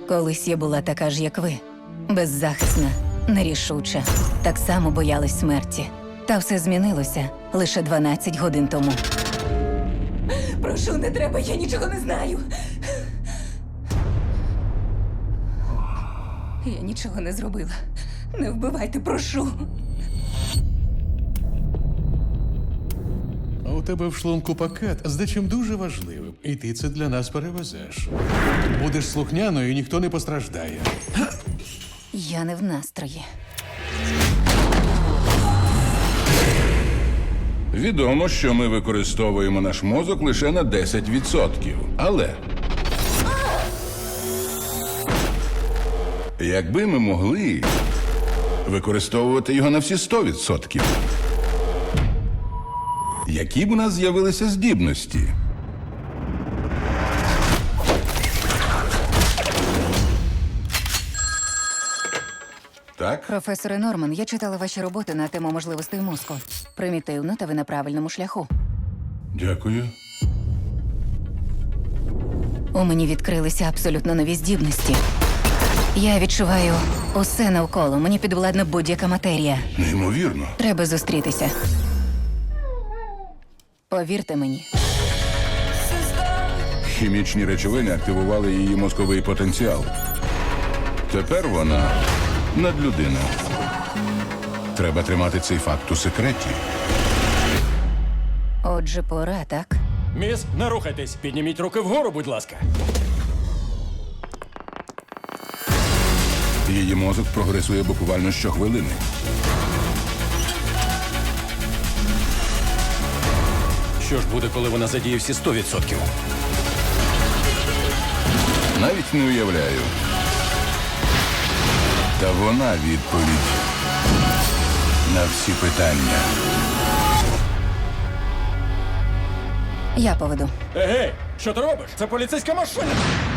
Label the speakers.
Speaker 1: Колись я була така ж, як ви. Беззахисна, нерішуча. Так само боялась смерті. Та все змінилося лише 12 годин тому. Прошу, не треба, я нічого не знаю. Я нічого не зробила. Не вбивайте, прошу.
Speaker 2: А у тебе в шлунку пакет з дечим дуже важливим, і ти це для нас перевезеш. Будеш слухняною, і ніхто не постраждає.
Speaker 1: Я не в настрої.
Speaker 3: Відомо, що ми використовуємо наш мозок лише на 10%. Але якби ми могли використовувати його на всі 100%, які б у нас з'явилися здібності? Так?
Speaker 1: Професоре Норман, я читала ваші роботи на тему можливостей мозку. Примітивно, та ви на правильному шляху.
Speaker 3: Дякую.
Speaker 1: У мені відкрилися абсолютно нові здібності. Я відчуваю усе навколо. Мені підвладна будь-яка матерія.
Speaker 3: Неймовірно.
Speaker 1: Треба зустрітися. Повірте мені.
Speaker 3: Хімічні речовини активували її мозковий потенціал. Тепер вона надлюдина. Треба тримати цей факт у секреті.
Speaker 1: Отже, пора, так?
Speaker 4: Міс, не рухайтесь. Підніміть руки вгору, будь ласка.
Speaker 3: Її мозок прогресує буквально щохвилини.
Speaker 4: Що ж буде, коли вона задіє всі 100%?
Speaker 3: Навіть не уявляю. Та вона відповідь на всі питання.
Speaker 1: Я поведу.
Speaker 4: Егей, що ти робиш? Це поліцейська машина.